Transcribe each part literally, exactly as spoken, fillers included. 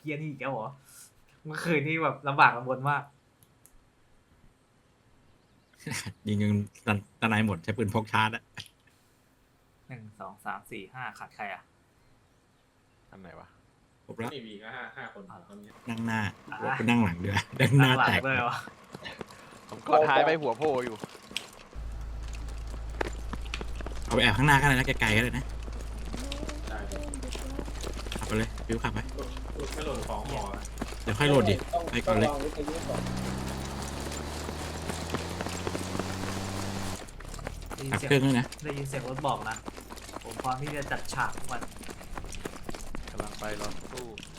เฮียนี่อีกแล้วเหรอเมื่อคืนนี่แบบลำบากลำบนมากยิงยิงตะนายหมดใช้ปืนพกชาร์จอะหนึ่งสองสามสี่ห้าขาดใครอ่ะอันไหนวะครบแล้วนี่มีก็ห้าห้าคนตอนนี้นั่งหน้าอ่ะไปนั่งหลังเดือนั่งหน้าหลัแตงกเลยวะผมกอดท้ายไปหัวโผล่อยู่เอาไปแอบข้างหน้าก็ได้นะไกลๆก็ได้นะได้เลยขับไปเลยฟิวขับไปหลุดไม่หล่นของหมอเดี๋ยวค่อยโหลดดิไปก่อนเลยต้องวางวิทยุก่อนได้ยินขับเสียเครื่องงด้วยนะได้ยินเสียงรถบอกนะผมพร้อมที่จะจัดฉากทุกวันกำลังไปรอตู้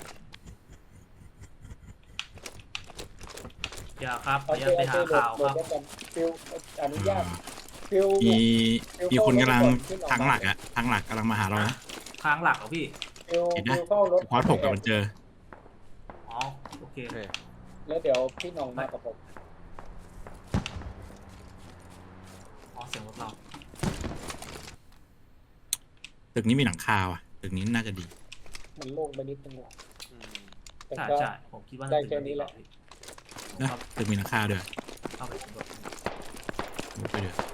อย่าครับขอเอาอนุเจญาตไปเอาหาเจโหลข่าวดครับโหลดไว้ก่อนฟิลอนุญาตฟิลมีมีคนกำลังทางหลักอะทางหลักกำลังมาหาเรานะทางหลักเหรอพี่ฟิลเห็นนะฟิลเข้ารถพอถกกับมันเจออ๋อโอเคโอเคแล้วเดี๋ยวพี่หน้องมากับผมอ๋อเสียงรถเราตึกนี้มีหลังคาว่ะตึกนี้น่าจะดีมันโล่งไปนิดนึงว่ะอืมแต่ใช่ก็ใช่ผมคิดว่าได้น่าจะแค่นี้แหละนะตึกมีหลังคาด้วยเข้าไปสำรวจมุดไปเดือ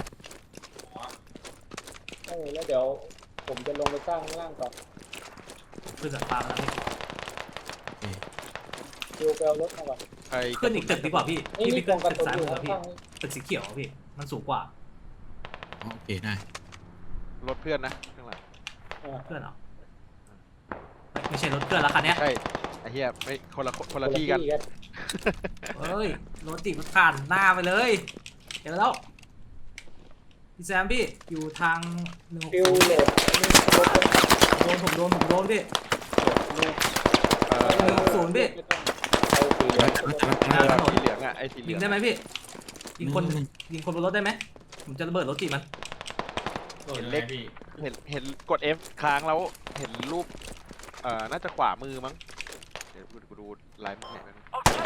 เออแล้วเดี๋ยวผมจะลงไปสร้างข้างล่างก่อนขึ้นจากฟ้ามาแล้วพี่ฟิลไปเอารถมาก่อนใครขึ้นอีกตึกดีกว่าพี่นี่พี่มีไปกขึ้อน งกระตึกสุนซ้ายอมืยู่อพี่ข้างตึกสีเขียวอะพี่มันสูงกว่าอ๋อโอเคได้รถเพื่อนนะข้างหลังๆอ่าเพื่อนเหรอไม่ใช่รถเพื่อนแล้วคันเนี้ยใช่ไอ้เหี้ยไม่คนละคนละที่กันเฮ้ยรถติดมันผ่านหน้าไปเลยเห็นแล้วพี่แซมพี่อยู่ทางหนึ่งหกฟิลศูนย์โหลดนี่รถโดนผมโดนผมโดนพี่นี่เออหนึ่งหกศูนย์พี่ไม่ต้องเอาสีเหลืองเออสีเหลืองอ่ะไอ้สีเหลืยิอง งได้ไหมพี่ยิงคนยิงคนบนรถได้ไหมผมจะระเบิดรถติดมันหล่นเล็กพี่เห็นเห็นกด F ค้างแล้วเห็นรูปเอ่อน่าจะขวามือมั้งเดี๋ยวกูดูไลน์มันไหนมัน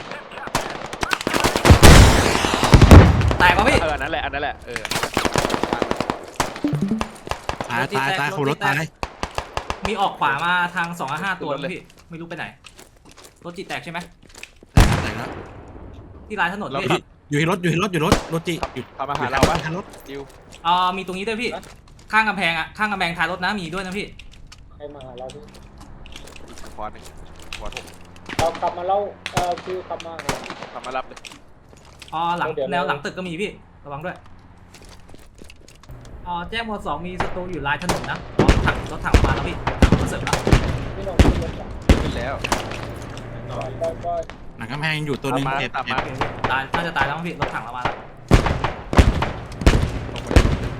แตกป่ะพี่เอออันนั้นแหละอันนั้นแหละเออตายตายตายขับรถตายมีออกขวามาทางสองห้าตัวนะพี่ไม่รู้ไปไหนรถจิตแตกใช่ไหมแตกแล้วที่ลายถนนเราพี่ขับอยู่ที่รถอยู่ที่รถอยู่รถรถจีอยู่ขับมาหาเราปะทางรถดิวอ่ามีตรงนี้ด้วยพี่ข้างกำแพงอ่ะข้างกำแพงท้ายรถนะมีด้วยนะพี่ใครมาหาเราพี่อีกคอร์สหนึ่งคอร์สหกเราขับมาเล่าเอ่อฟิลขับมาหาขับมารับเลยอ๋อหลังเดี๋ยวแนวหลังตึกก็มีพี่ระวังด้วยอ๋อแจ้งหมวดสองมีศัตรูอยู่ลายถนนนะอ๋อถังรถถังมาแล้วพี่ถังรถเสริมแล้วพี่หน้องขึ้นรถก่อนขึ้นแล้วต่อก็ก็หลังกำแพงอยู่ตัวหนึงตามมาเจ็บตามเจ็มาบโอเคพี่ตายน่าจะตายแล้วมั้งพี่รถถังเรามาแล้วลงไปเลย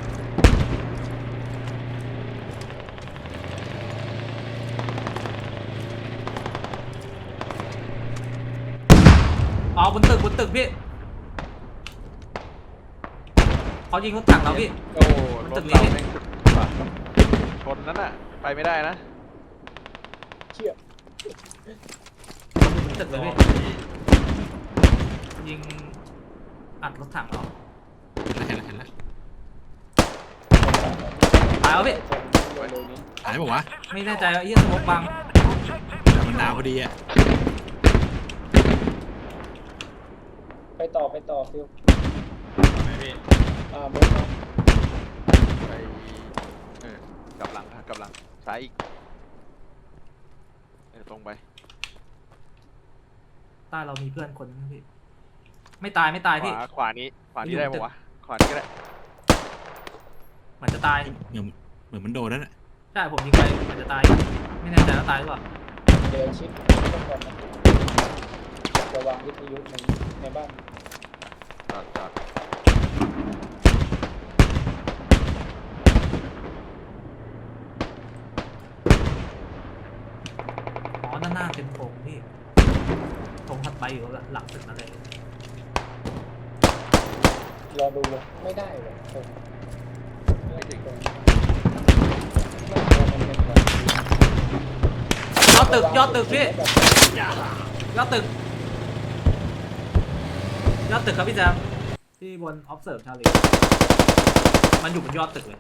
อ๋อบนตึกบนตึกพี่เขายิงรถถังเราพี่โอ้รตึถกนี้เราแม่งว่ะชนนั้นน่ะไปไม่ได้นะเชี่ยบนตึกเลยพี่ยิงอัดรถถังเราเห็นแล้วเห็นแล้วเห็นแล้วตายแล้วพี่เร็วๆนี้หายบอกว่าวไม่แน่ใจว่าเฮียสมกบังะแต่มันดาวพอดีอะไปต่อไปต่อฟิลไม่พี่อ่าเบนซ์มาไปเออกลับหลังค่ะกลับหลังซ้ายอีกเออตรงไปใต้เรามีเพื่อนคนนึงพี่ไม่ตายไม่ตายขพี่วาขวานี้ขวานี้อยู่ได้ตึปะกวะขวานี้ก็ได้เหมือนจะตายเหมือนเหมือนมันโดนนั่นแหละใช่ผมยิงไปเหมือนจะตายไม่แน่ใจว่าตายหรือเปล่าเดี๋ยวชิปต้นก่อนนะระวังวิทยุในในบ้านจอดจอดอ๋อด้านหน้าเป็นโถงพี่โถงถัดไปอยู่หลังตึกนั่นเลยรอดูเลยไม่ได้เลยตรงไม่ถึงตรงไม่ตรงมันเป็นแบบยอดตึกยอดตึกพี่ยอดตึกยอดตึกครับพี่แจมที่บน observe ชาลีมันอยู่บนยอดตึกเลย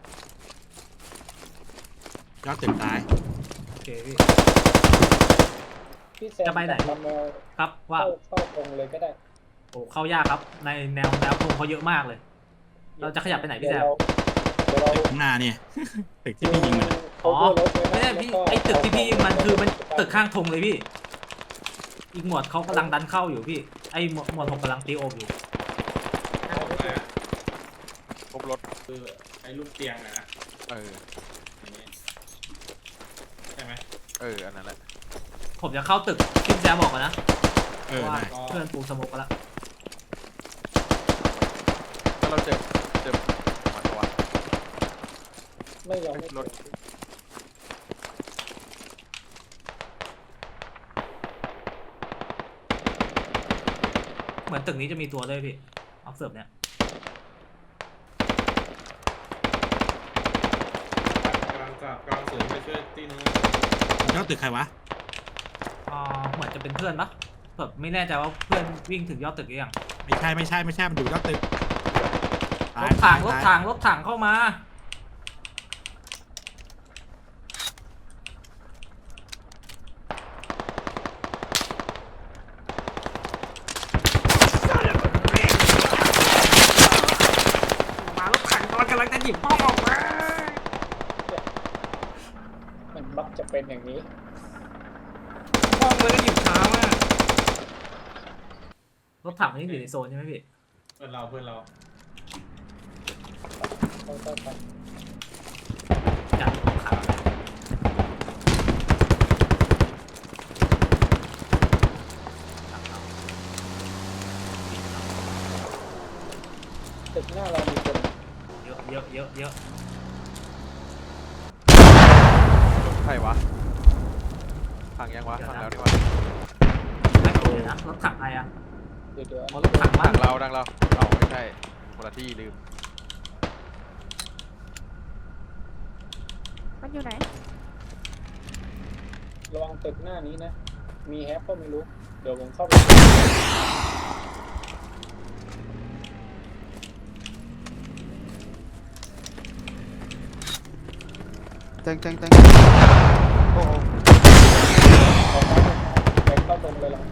ยอดตึกตายโอเคพี่พี่แซมจะไปไหนกับมาโมครับว่าเข้าเข้าตรงเลยก็ได้โอ้เข้ายากครับ ในแนวแนวตรงเขาเยอะมากเลย เราจะขยับไปไหนพี่แซมเดี๋ยวเราตึกข้างหน้าเนี่ย ตึกที่พี่ยิงมันอะอ๋อเดี๋ยวเราไม่ใช่พี่ไอตึกที่พี่ยิงมันคือมันตึกข้างธงเลยพี่ อีกหมวดเขากำลังดันเข้าอยู่พี่ ไอหมวดหมวดหกกำลังตีโอบอยู่ให้ผมมาครบรถคือไอ้ลูกเตียงอะนะเอออย่างนี้ใช่ไหมเอออันนั้นแหละผมจะเข้าตึกที่พี่แซมบอกกันนะเอเพอราะว่าได้เพื่อนปูสโมกกันละถ้าเราเจอเจอมันตัวไม่ยอมไม่รถเหมือนตึกนี้จะมีตัวด้วยพี่ออฟเซิร์ฟเนี่ยกำลังกลับกำลังเสริมไปช่วยตีนู้นเจ้าตึกใครวะอ่าเหมือนจะเป็นเพื่อนปะแบบไม่แน่ใจว่าเพื่อนวิ่งถึงยอดตึกหรือยังไม่ใช่ไม่ใช่ไม่ใช่มันอยู่เจ้าตึกรถถังรถถังรถถังเข้ามามา รถถังกำลังกำลังจะหยิบป้อมออกมามันมักจะเป็นอย่างนี้ป้อมเลยก็หยิบช้ามากรถถังนี่อยู่ในโซนใช่ไหมพี่เพื่อนเราเพื่อนเราเขาต้องทอยากรถถังำตึกหน้าเรามีคนเยอะเยอะเยอะเยอะรถใครวะพังยังวะพังแล้วนี่วะไม่เดี๋ยวนะรถถังใครอะเดี๋ยวเดี๋ยวอ๋อรถถังมัดันงเราดังเราเราไม่ใช่คนละที่ลืมมันอยู่ไหนระวังตึกหน้านี้นะ มีแฮปก็ไม่รู้ เดี๋ยวผมเข้าไปแตงแตงแตงโอ้โหออกมาไปเข้าตรงเลยหรอ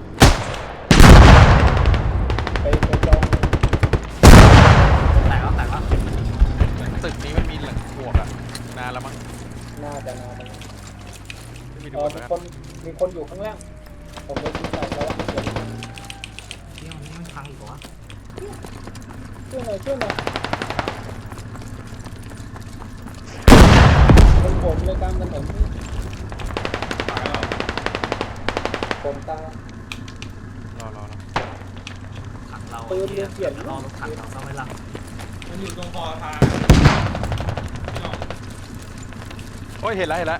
ไปไปจองแตกแล้วแตกแล้วตึกนี้มันมีหลังบวกอะนานแล้วมั้งหน้าจะนานเลยไม่มีเอดูอเหมืมีอนคกันนมีคนอยู่ข้างล่าง ผมไปคิดใส่แล้วเดี๋ยวเที่ยวนี้มันพังอีกเหรอวะช่วยหน่อยช่วยหน่อยคนผมเลยกลางถนนนี่ตายแล้วผมตารอรอรอถังเราปืนเที่ยเปลี่ยนจะรอรถถังเราเข้าไม่ลังมันอยู่ตรงคอทางพี่น้องโอ้ยเห็นแล้วเห็นแล้ว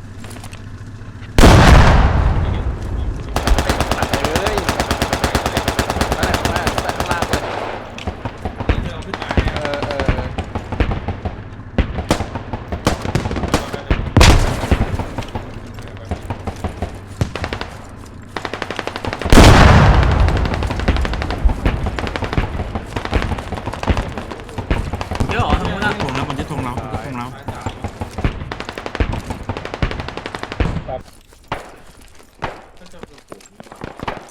นี่ไงเอ้ยนั่นแหละข้างหน้าแต่ข้างล่างเลยนี่ที่เราขึ้นมาเนี่ยเออเออเออเยอะเหรอทางนู้นอะทงแล้วมันจะทงเรามันจะทงเราซ้ายสามแบบก็จะเป็นผมนี่หว่า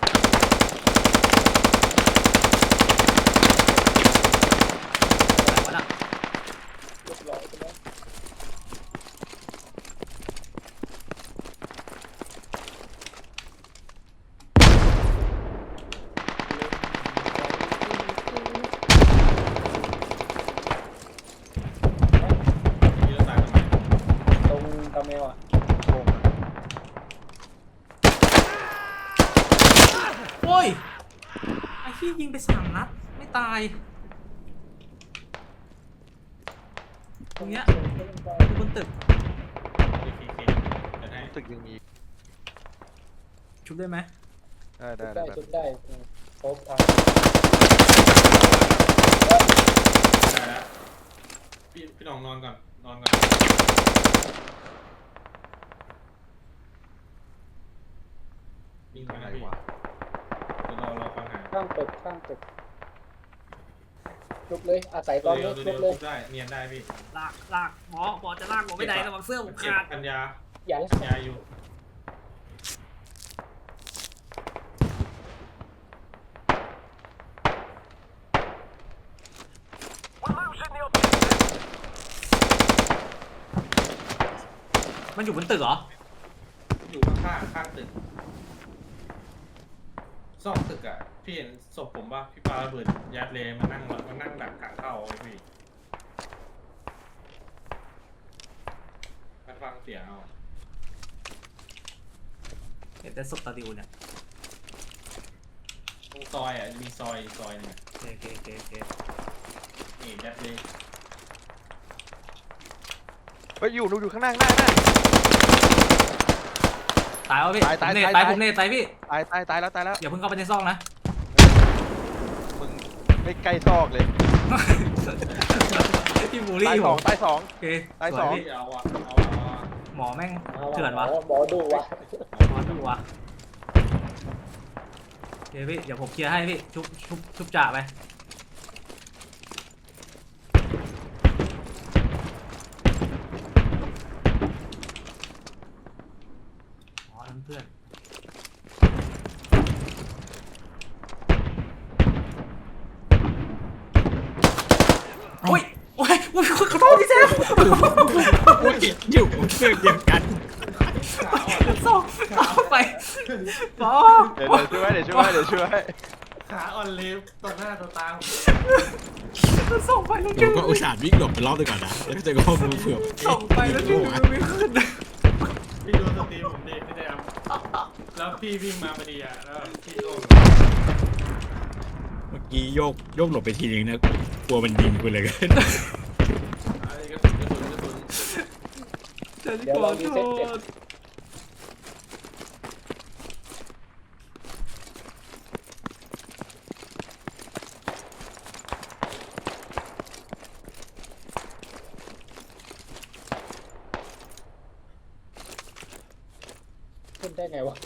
ไหนวะน่ะเรียบร้อยไปแล้วมีรถตายทำไมตรงตาเมลอ่ะโกงอะโอ้ยไอ้ที่ยิงไปสามนัดไม่ตายตรงเนี้ยอยู่บนตึกดีพีเคเดี๋ยวให้ตึกยังมีชุบได้ไหมได้ได้ได้ได้ชุดได้ครบทางได้แล้วพี่พี่น้องนอนก่อนนอนก่อนวิ่งไปไหนนะพี่วะเดี๋ยวเราเราฟังหาข้างตึกข้างตึกชุบเลยอาศัยตอนเร็นี้วชุเร็บวเลยได้เนียนได้พี่ลากลากหมอหมอจะลากผมไปไหนระวังเสื้อผมเก็บขาดกัญญาอย่ากัญญาอยู่มันอยู่บนตึกเหรออยู่ข้างๆข้างตึกซอกตึกอ่ะพี่เห็นศพผมป่ะพี่ปาระเบิดยัดเลยมานั่งมานั่งดักกะเข้าไอ้พี่มาฟังเสียงเอาเห็นแต่ศพตาดิวเนี่ยตรงซอยอ่ะมีซอยอีกซอยหนึงอะโอเคโอเคโอเคโอเคนี่ยัดเลยเฮ้ยอยู่ดูอยู่ข้างหน้าข้างหน้าข้างหน้าตายวะพี่ตายตายผมเนตตายตายผมเนตตายพี่ตายตายตายแล้วตายแล้วอย่าเพิ่งเข้าไปในซองนะมึงไม่ใกล้ซอกเลยพี่บูลลี่ตายอยู่สองตายสองโอเคตายวสองพี่พี่เอาอ่ะเอาเอาอ่ะหมอแม่งเอาเถื่อนวะหมอดูวะหมอดูวะโอเคพี่เดี๋ยวผมเคลียร์ให้พี่ชุบชุบชุบจ่าไปอ๋อนั่นเพื่อนโอ้ยโอ้ยโอ้ยขอโทษพี่แซมอุ้ยอยู่เพื่อนเดียวกันส่งเอาไปบอเดี๋ยวเดี๋ยวช่วยเดี๋ยวช่วยเดี๋ยวช่วยขาอ่อนเลยต่อหน้าต่อตาผมส่งไปแล้วผดึมงก็อุตส่าห์วิ่งหลบไปรอบหนึงก่อนนะแล้วก็เจอกับข้อมูลเผื่อส่งไปแล้วดึงมันไม่ขึ้นพี่ดูสตรีมผมดิพี่แดมแล้วพี่วิ่งมาพอดีอ่ะแล้วพี่โดนเมื่อกี้โยกโยกหลบไปทีนึงนะกลัวมันยิงกูเลยกันอะไรกระสุนกระสุนกระสุนฉันขอโทษขึ้นได้ไงวะ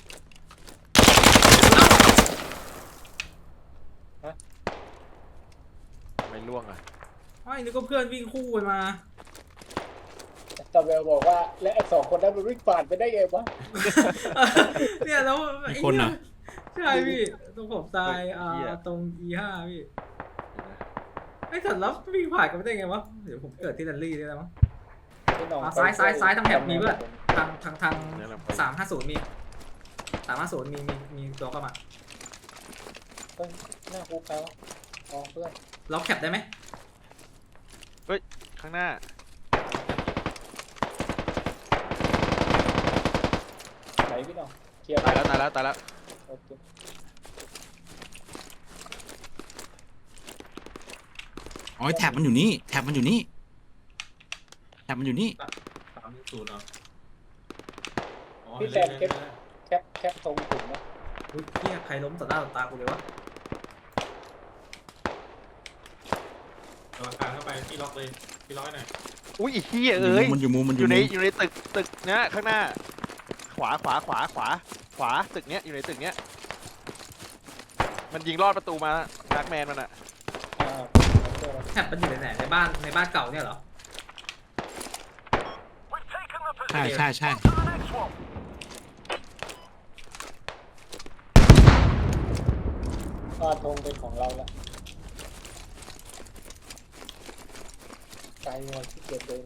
ไม่ล่วงอ่ะไอ้นี่ก็เพื่อนวิ่งคู่ไปมาตาเบลบอกว่าและไอ้สองคนนั้นมันวิ่งผ่านไปได้ไงวะเนี่ยแล้วมีคนเหรอใช่พี่ตรงผมตายอ่าตรง อี ห้า พี่ไอ้สัตว์แล้ววิ่งผ่านกันไม่ได้ไงวะเดี๋ยวผมเกิดที่ดันลี่ได้แล้วมั้งพี่น้องอ่ะซ้ายซ้ายซ้ายทางแถบมีเพื่อน ทางทางทางสามห้าศูนย์มีสามห้าศูนย์มีมีมีตัวเข้ามาเฮ้ยหน้าคุกแล้วอ๋อเพื่อนล็อกแคปได้ไหมข้างหน้าไหนพี่น้องเคลียร์ตายแล้วตายแล้วตายแล้วโอเคอ๋อแท็บมันอยู่นี่แท็บมันอยู่นี่แท็บมันอยู่นี่สามศูนย์เหรออ๋อพี่แซเล่นมเล่นแคปเล่นแคปแคปตรงถุงนะอุ้ยเฮียใครล้มต่อหน้าต่อตากูเลยวะเอาอาคารเข้าไปพี่ล็อกเลยพี่ล็อกให้หน่อยอุ้ยไอ้เหี้ยเอ้ยมันอยู่มุมมันออยู่ ยู่ในมุมอยู่ในตึกตึกเนี้ยข้างหน้า ขวาขวาขวาขวาขวาตึกเนี้ยอยู่ในตึกเนี้ยมันยิงลอดประตูมาดักแมนมันอะอ่าโอเคแล้วแคปมันอยู่ไหนในบ้านในบ้านเก่าเนี่ยเหรอใช่ใช่ใช่ก็ธงเป็นของเราละไกลหน่อยที่เกียจเดิน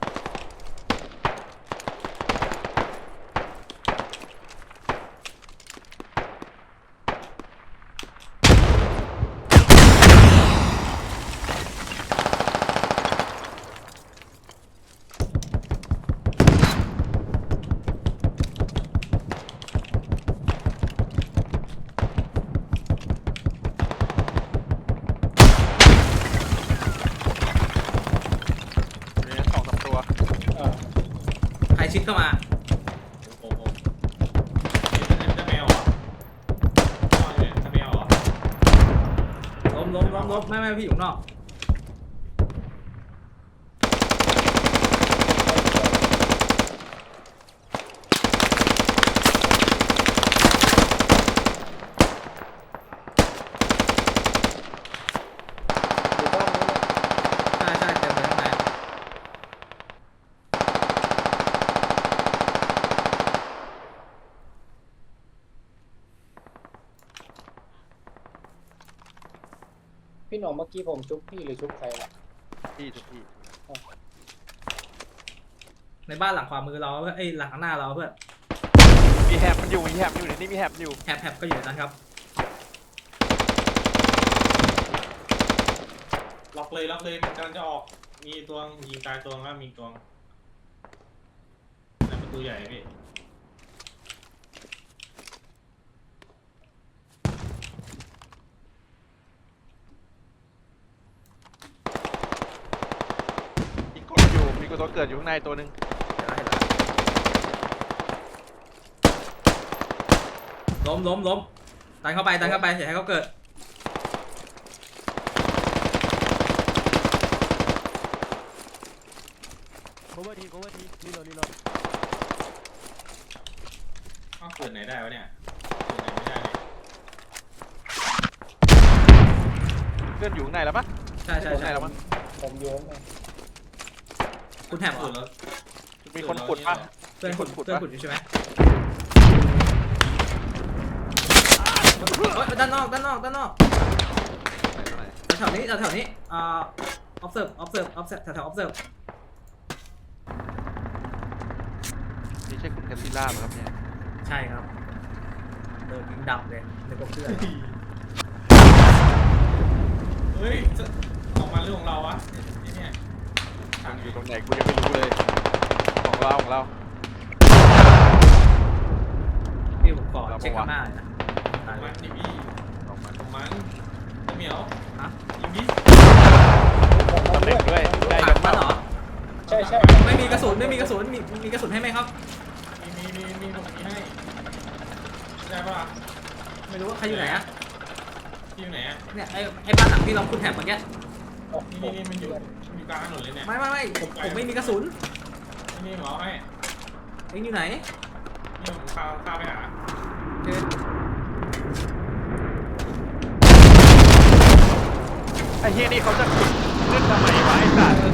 อยู่ในสองสามตัวอ่าใครชิดเข้ามาโอ้โหนี่จะแมวเหรออ๋อเนี่ยจะแมวเหรอล้มล้มล้มล้มไม่ไม่พี่อยู่ข้างนอกอยู่บ้านนี้นะใช่ใช่เต็มเลยข้างในพี่หน้องเมื่อกี้ผมชุบพี่หรือชุบใครล่ะที่ทุกที่ในบ้านหลังขวามือเราเพื่อนไอ้ยหลังข้างหน้าเราเพื่อนมีแฮบมันอยู่มีแฮบอยู่ในนี่มีแฮบอยู่แฮบแฮบก็อยู่ในนั้นครับล็อกเลยล็อกเลยมันกำลังจะออกมีตัวยิงตายตัวแล้วมีตัวในประตูใหญ่พี่มีกดอยู่มีกดตัวเกิดอยู่ข้างในตัวหนึ่งล้มล้มล้มดันเข้าไปดันเข้าไปอย่าให้เขาเกิด cover ที cover ทีรีโหลดรีโหลดอ้าวเกิดไหนได้วะเนี่ยเกิดไหนไม่ได้เลยเพื่อนอยู่ข้างในแล้วปะใช่ใช่อยู่ข้างใช่ในแล้วมั้งผมโยนมาคุณแฮบเหรเกิอดแล้วมีคนขุดปะเพื่อนขุดขุดเพื่อนปะขุดอยู่ใช่ไหมเฮ้ยด้านนอกด้านนอกด้านนอกไหนแถวๆนี้แถวๆนี้อ่า observe observe observe แถวๆ observe นี่ใช่คุณแคสซิล่าไหมครับเนี่ยใช่ครับโดนยิงดับเลยในกบเพื่อนเฮ้ยจะออกมาเรื่องของเราวะไอ้เนี่ยทางออยู่ยู่ตรงไหนกูยังไม่รู้เลย ของเราของเราพี่ผมขอเราเช็คบอกว่าข้างหน้าหน่อยนะตายเลมันยดิพี่ของมันของมันไอ้เหมียวฮะยิงดิตำแหน่งด้วยได้ถักังนมันเหรอใช่ใช่ไม่มีกระสุนไม่มีกระสุนมีมีกระสุนให้ไหมครับมีมีมีมีผมมีให้ได้ปะล่ะไม่รู้ว่าใครอยู่ไหนอะที่อยู่ไหนอะเนี่ยไอ้ไอ้บ้านหลังที่เราคุณแถบเมื่อกี้โอ้โหนี่นี่นี่มันอยู่มันอยู่กลางถนนเลยเนี่ยไม่ไม่ไม่ผมผมไม่มีกระสุนนี่นี่หมอให้เอ็งอยู่ไหนนี่ผมพาพาไปหาเจอไอ้เฮียนี่เขาจะขุดขึ้นทำไมวะไอ้สัตว์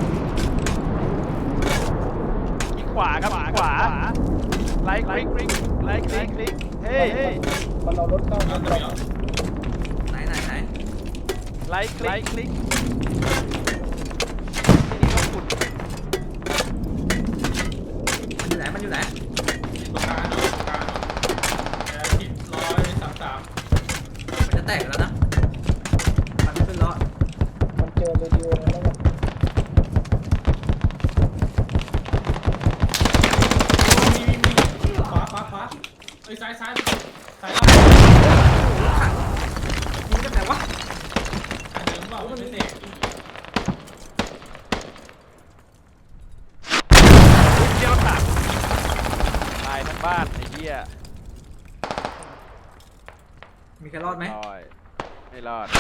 ยิงขวาครับขวาไลค์คลิกคลิกไลค์คลิกคลิกเฮ้ยเฮ้ยมันเอารถเข้าเอามาตัวเหมียวไหนไหนไหนไลค์คลิกคลิกที่นี่เขาขุดมันอยู่ไหนมันอยู่ไหนติดตรงกลางเนาะตรงกลางเนาะแอร์ทิศร้อยสามสามมันจะแตกแล้วนะมันไม่เป็นล้อมันเจอเรดิโอแล้วแบบมีมีมีขวาขวาขวาเอ้ยซ้ายซ้ายซ้ายล่างยิงกันไหนวะอันเดิมเปล่ามันไม่เตะเที่ยวตัดตายทั้งบ้านไอ้เหี้ยมีใครรอดไหมรอดไม่รอด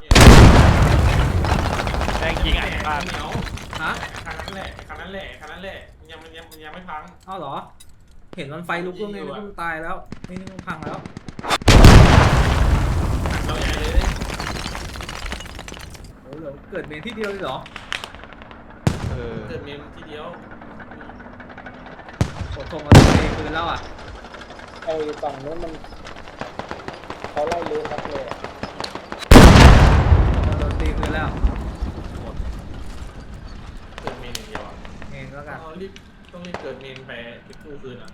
แม่งยิงอ่ะบ้านเหนียวฮะคันนั้นแหละคันนั้นแหละคันนั้นแหละมันยังมันยังมันยังไม่พังอ้าวเหรอ เห็นมันไฟลุกแล้วไงนึกว่ามันตายแล้วนี่นี่มันพังแล้วเราใหญ่เลยโอ้โหเหลือเกิดเมนที่เดียวเลยเหรอเออเกิดเมมทีเดียวโอ้ทงเราตัวเองคืนแล้วอ่ะไอ้ฝั่งนู้นมันเขาไล่เลี้ครับเลยอะเราโดนตีคืนแล้วหมดเกิดเมนอย่างเดียวอ่ะเองแล้วกันต้องรีบต้องรีบเกิดเมนไปไปกู้คืนอ่ะ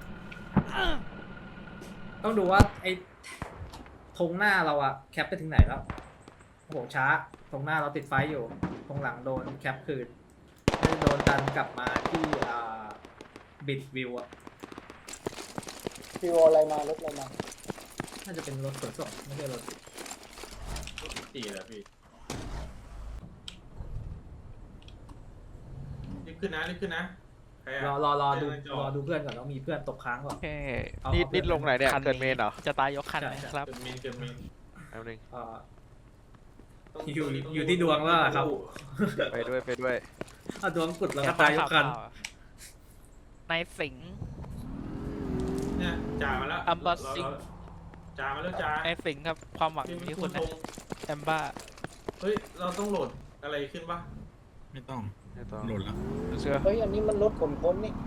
ต้องดูว่าไอ้ธงหน้าเราอะแคปไปถึงไหนแล้วโอ้โหช้าธงหน้าเราติดไฟอยู่ธงหลังโดนแคปคืนไม่โดนดันกลับมาที่อ่าบิดวิวอะฟิวอะไรมารถอะไรมาน่าจะเป็นรถขนส่งไม่ใช่รถตีแล้วพี่รีบขึ้นนะรีบขึ้นนะใครรออ่ะรอรอดูเดินจอรอดูเพื่อนก่อนแล้วมีเพื่อนตกค้างก่อนโอเคเอานี่เอานี่ลงไหนเนี่ยคันนี้เกิดเมนเหรอจะตายยกคันใช่นะครับเกิดเมนเกิดเมนแป๊บนึงเอ่อต้องอยู่ต้งอยู่ที่ดวงแล้วล่ะครับไปด้วยไปด้วยเอาดวงกุดแล้วก็ตายยกคันในสิงห์เนี่ยจ่ามาแล้วอัมบัสซิงจ่ามาแล้วจ่าในสิงห์ครับความหวังอยู่ที่คุณนะธงแอมบ้าเฮ้ยเราต้องโหลดอะไรขึ้นปะไม่ต้องไม่ต้องโหลดแล้วเชื่อเฮ้ยอันนี้มันรถขนพ้นนี่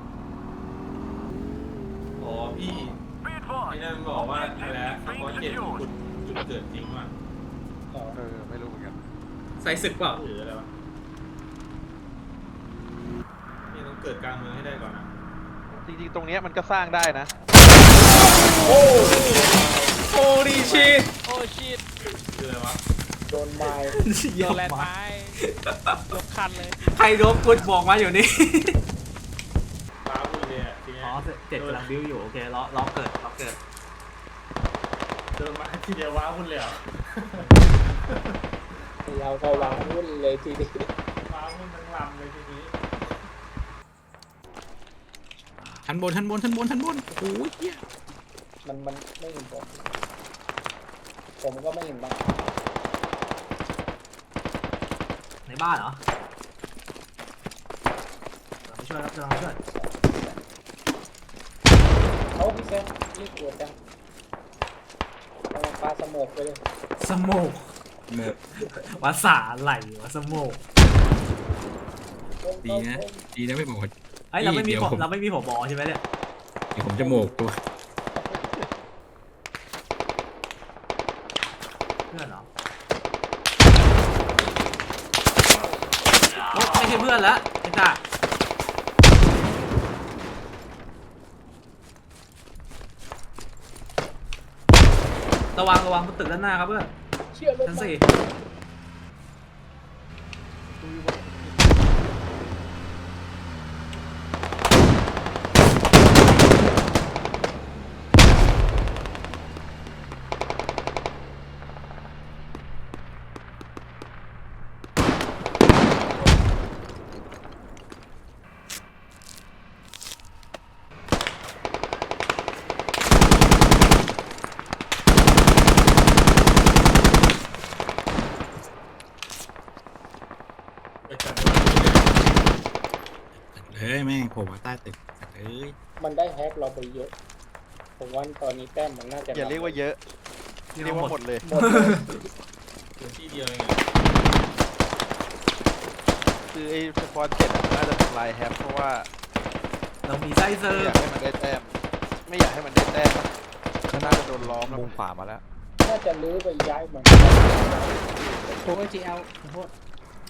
อ๋อพี่ไอ้นั่นบอกว่าอะไรนะสปอร์ตเจ็ดจุดจุดเกิดจริงว่ะอ๋อเออไม่รู้เหมือนกันใส่ศึกเปล่าหรืออะไรวะนี่ต้องเกิดกิดกลางเมืองให้ได้ก่อนนะจริงๆ ตรงเนี้ยมันก็สร้างได้นะโอ้โอ้ดีชีตโอ้ชิตคืออะไรวะโดนไม้โดนแลนด์ไม้ยกคันเลยใครโดนกุดบอกมาอยู่นี่ฟ้าวุ่นเลยอ่ะทีเนี้ยอ๋อเจ็ดกำลังบิวอยู่โอเคล้อล้อเกิดล้อเกิดเดินมาทีเดียวว้าวุ่นเลยเหรอเราก็วางวุ่นเลยทีเดียวว้าวุ่นทั้งลำเลยทีนี้ชั้นบนชั้นบนชั้นบนชั้นบนโอ้ยเหี้ยมันมันไม่เห็นผมผมก็ไม่เห็นบ้างในบ้านเหรอเราไปช่วยครับเราไปช่วยเขาพี่แซมรีบตรวจจังกำลังปาสโมกไปเลยสโมกหมดภาษาอะไรวะสโมกดีนะดีนะไม่บอกว่าเอ้ยเราไม่มีเดี๋ยวผมผมเราไม่มีผมบอใช่ไหมเนี่ยเดี๋ยวผมจะโมกตัวเพื่อนเหรอโอ๊ะไม่ใช่เพื่อนแล้วไอ้ตาระวังระวังบนตึกด้านหน้าครับเพื่อนเชื่อรถชั้นมาสี่ไปจัดเฮ้ยแม่งผมมาใต้ตึกเอ้ยมันได้แฮกเราไปเยอะ ผมว่าตอนนี้แต้มมันน่าจะอย่าเรียกว่าเยอะเรีเรียยกกว่าว่าหหมมดดเลยหมดเลยพื้นที่เดียวเองคือไอ้สปอนเจ็ดน่าจะทำลายแฮปเพราะว่าเรามีไส้เซอไม่ร์อยากให้มันได้แต้ม ไม่อยากให้มันได้แต้มก็น่าจะโดนล้อมแล้วมุมขวามาแล้วน่าจะลื้อไปย้ายมันโอ้ยจีเอลขอโทษ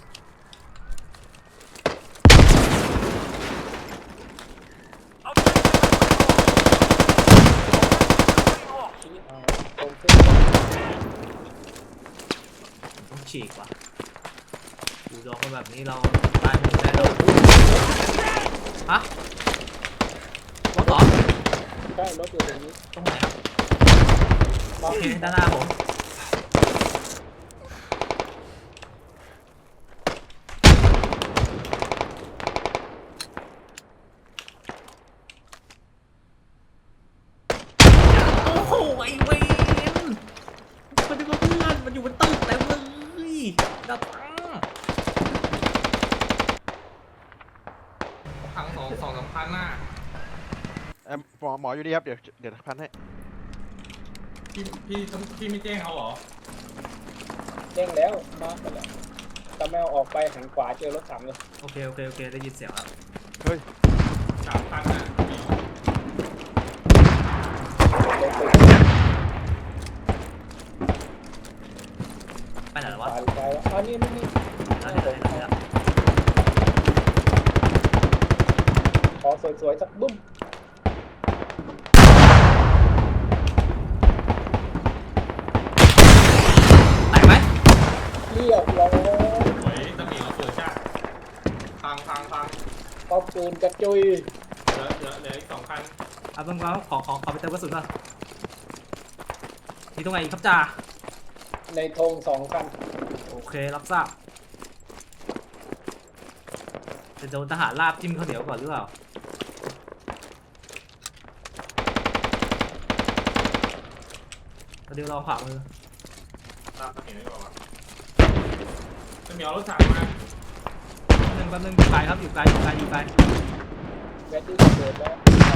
ชี้เอาตรงขึ้นต้องฉีกว่ะดูดองกันแบบนี้เราตายหมดแน่นอนฮะรถเหรอใช่รถอยู่ตรงนี้ตรงไหนครับบาโอง เคด้านหน้าผมโอ้โหไอ้เวนมันเป็นเพื่อนมันอยู่บนตึกเต็มเลยดับตั้งพังสองสองสามพันหน้าเอ่อหมอหมออยู่ดีครับ เดี๋ยวเดี๋ยวพันให้พี่พี่พี่ไม่แจ้งเขาเหรอแจ้งแล้วมาไปแล้วตะแมวออกไปหันขวาเจอรถถังเลยโอเคโอเคโอเคได้ยินเสียงแล้วเฮ้ยสามพันอ่ะเดี๋ยวรถตึกไปไหนแล้วขวะวาหรือซ้ายวะอันนี้ไม่นี่แล้วที่ไหนแล้วที่ไหนขอสวยๆสักบึ้มแตกไหมเรียบร้อยเฮ้ยตะหมีเราเปิดจ้าพังพังพังเอาปืนกระจุยเหลือเหลือเหลืออีกสองพันเอาเพิ่งเราขอขอขอไปเติมกระสุนก่อนมีตรงไหนอีกครับจ่าในธงสองคันโอเครับทราบจะโดนทหารลาบจิ้มข้าวเหนียวก่อนหรือเปล่าเดี๋ยวลองขวามือตามตะหมีได้ป่าวะตะหมีเอารถถังมาแป๊บนึงแป๊บนึงอยู่ไกลครับอยู่ไกลอยู่ไกลอยู่ไกลแบตตี้เกิดแล้ว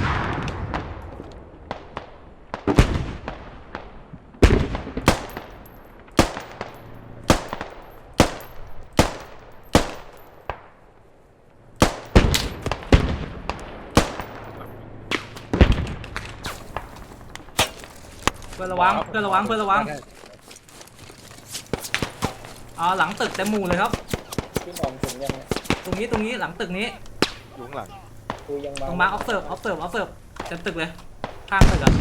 เพื่อนระวังเพื่อนระวังเพื่อนระวังเอาหลังตึกเต็มหมู่เลยครับขึ้นออกถึงยังไงตรงนี้ตรงนี้หลังตึกนี้อยู่ข้างหลังกูยังตรงมาร์คออฟเซิร์ฟออฟเซิร์ฟออฟเซิร์ฟเต็มตึกเลย ข้างตึกอะ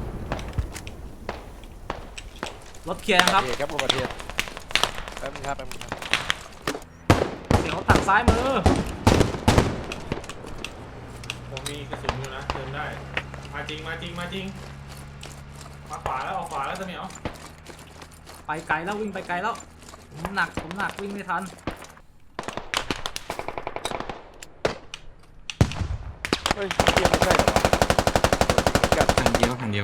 รถเคลียร์นะครับโอเคครับอุบัติเหตุแป๊บนึงครับแป๊บนึงครับเสียงรถถังซ้ายมือผมมีกระสุนอยู่นะเติมได้ มาจริงมาจริงมาจริง มาขวาแล้วออกขวาแล้วจะเหมียวไปไกลแล้ววิ่งไปไกลแล้วผมหนักผมหนักวิ่งไม่ทันเฮ้ยเทียบไม่ใช่เหรอวะกัดทางเดียวทางเดียว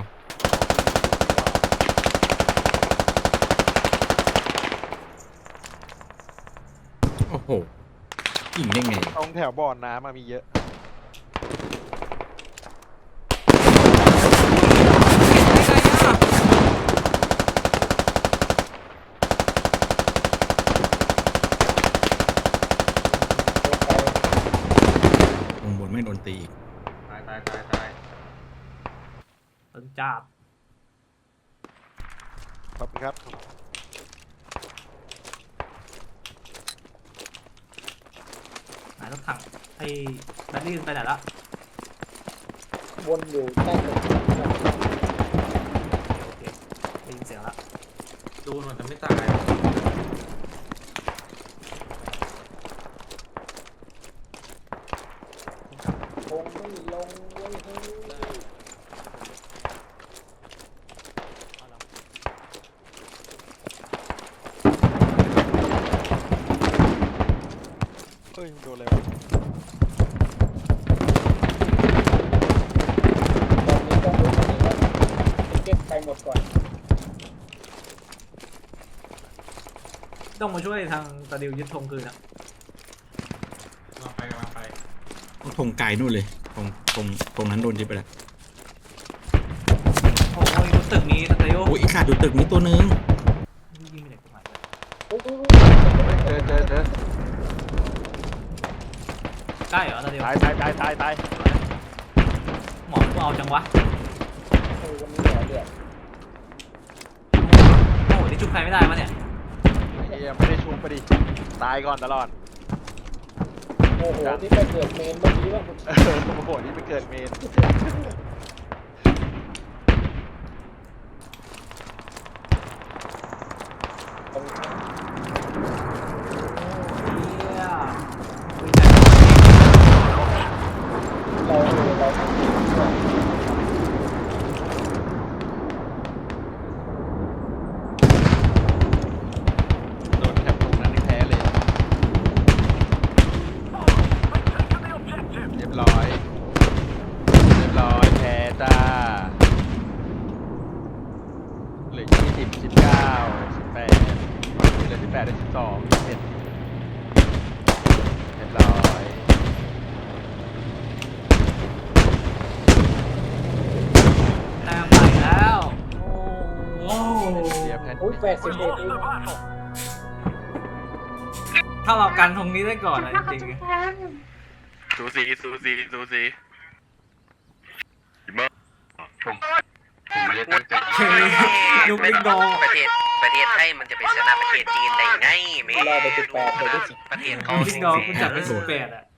โอ้โหยิงได้ไงตรงแถวบ่อน้ำมามีเยอะลงบนไม่โดนตีอีกตายตายตายตายตึงจับขอบคุณครับไหนรถถังไอ้แบตลี่ไปไหนละวนอยู่ใต้ตึกโอเคได้ยินเสียงละดูมันจะไม่ตายคงไม่ลงเว้ยเฮ้ยเฮ้ยโดนอะไรวะตอนนี้ต้องรู้ว่าจะเก็บใครหมดก่อนต้องมาช่วยทางตะดิวยึดธงคืนอะมาไปมาไปต้องธงไกลนู่นเลยตรงตรงตรงนั้นโดนยึดไปแล้วโอ้ยบนตึกนี้ตะดิวโอ้ยอีกขาดอยู่ตึกนี้ตัวนึงยิงไปไหนตรงไหนอุ๊ยอุ๊ยเจอเจอเจอใกล้เหรอตะดิวตายตายตายตายตายหมอกูเอาจังวะอุ๊ยวันนี้เหรอเดือดโอ้โหนี่ชุบใครไม่ได้ปะเนี่ยเฮียไม่ได้ชุบไปดิตายก่อนตลอดโอ้โหที่ไปเกิดเมนเมื่อกี้ว่าเออโอ้โหนี่ไปเกิดเมนตรงนี้เฮียเราเราทำดีกว่าโดนแถบตรงนั้นนี่แพ้เลยเรียบร้อยเรียบร้อยแพ้จ้าเหลือยี่สิบสิบเก้าสิบแปดเหลือสิบแปดได้สิบสองสิบเอ็ดเรียบร้อยแต้มใหม่แล้ว โอ้โหเรียบแพ้อุ้ยแปดสิบเอ็ดเองถ้าเรากันตรงนี้ได้ก่อนอะจริงสูสีสูสีสูสีผมผมไม่ได้ตั้งใจๆลูกลิงดองประเทศประเทศไทยมันจะไปชนะประเทศจีนได้ไงไม่รอไปสิบแปดไปได้สิบประเทศเขาลูกลิงดองคุณจัดไปสิบแปดอะ